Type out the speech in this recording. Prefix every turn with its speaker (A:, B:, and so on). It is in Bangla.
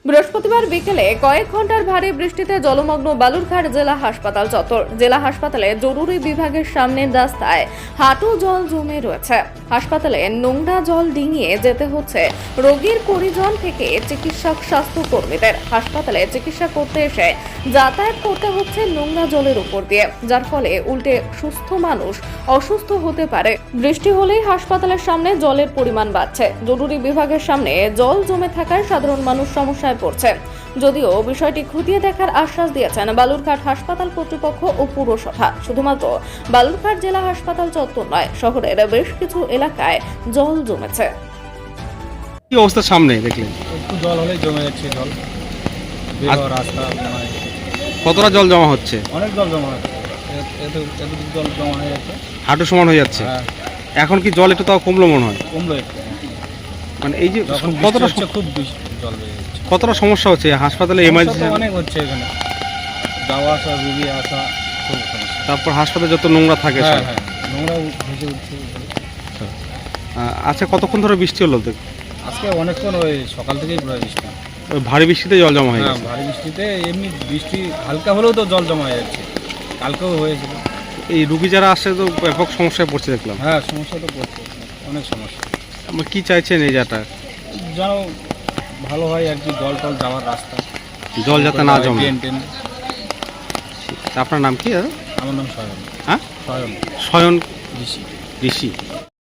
A: বৃহস্পতিবার বিকেলে কয়েক ঘন্টার ভারী বৃষ্টিতে জলমগ্ন বালুরঘাট জেলা হাসপাতাল চত্বর। জেলা হাসপাতালে জরুরি বিভাগের সামনের রাস্তায় হাঁটু জল জমে রয়েছে। হাসপাতালে নোংরা জল ডিঙিয়ে যেতে হচ্ছে রোগীর পরিজন থেকে চিকিৎসক স্বাস্থ্যকর্মীদের। হাসপাতালে চিকিৎসা করতে এসে যাতায়াত করতে হচ্ছে নোংরা জলের উপর দিয়ে, যার ফলে উল্টে সুস্থ মানুষ অসুস্থ হতে পারে। বৃষ্টি হলেই হাসপাতালের সামনে জলের পরিমাণ বাড়ছে। জরুরি বিভাগের সামনে জল জমে থাকায় সাধারণ মানুষ সমস্যায় পড়ছে। যদিও বিষয়টি খতিয়ে দেখার আশ্বাস দিয়েছেন বালুরঘাট হাসপাতাল কর্তৃপক্ষ ও পুরসভা। শুধুমাত্র বালুরঘাট জেলা হাসপাতাল চত্বর নয়, শহরের বেশ কিছু এলাকায় জল জমেছে।
B: কি অবস্থা সামনে দেখলেন?
C: একটু জল হলেই জমে যাচ্ছে জল। বেরোয়ার রাস্তা মানে
B: কতটা জল জমা হচ্ছে?
C: অনেক জল জমা হচ্ছে, এতটুকু জল জমা হয়ে যাচ্ছে।
B: হাঁটু সমান হয়ে যাচ্ছে।
C: হ্যাঁ,
B: এখন কি জল একটু তাও কমলো মনে হয়?
C: কমলো একটু।
B: মানে এই যে
C: যখন
B: কতটা
C: হচ্ছে খুব বেশি জল বেড়ে যাচ্ছে।
B: কতটা সমস্যা হচ্ছে হাসপাতালে এমার্জেন্সি?
C: সমস্যা তো অনেক হচ্ছে এখানে, যাওয়া আসা, রুগী আসা খুব সমস্যা।
B: তারপর হাসপাতালে যত নোংরা থাকে
C: হ্যাঁ
B: সব।
C: হ্যাঁ, নোংরা ভেসে উঠছে।
B: আচ্ছা, কতক্ষণ ধরে বৃষ্টি হলো?
C: আজকে অনেকক্ষণ ওই সকাল থেকেই প্রায় বৃষ্টি।
B: ওই ভারী বৃষ্টিতে জল জমা হয়ে
C: হ্যাঁ,
B: গেছে।
C: ভারী বৃষ্টিতে এমনি বৃষ্টি হালকা হলেও তো জল জমা হয়ে যাচ্ছে। কালকেও হয়েছিল।
B: এই রুগী যারা আসছে তো ব্যাপক সমস্যায় পড়ছে দেখলাম।
C: হ্যাঁ, সমস্যা তো পড়ছে, অনেক সমস্যা।
B: আমরা কি চাইছেন এই যাটা
C: যেন ভালো হয় আর কি, জল টল যাওয়ার রাস্তা
B: জল যাতে না জমে?
C: Drain drain.
B: আপনার নাম কি দাদা?
C: আমার নাম সয়ন।
B: হ্যাঁ,
C: সয়ন
B: স্বয়ন
C: ঋষি।
B: ঋষি।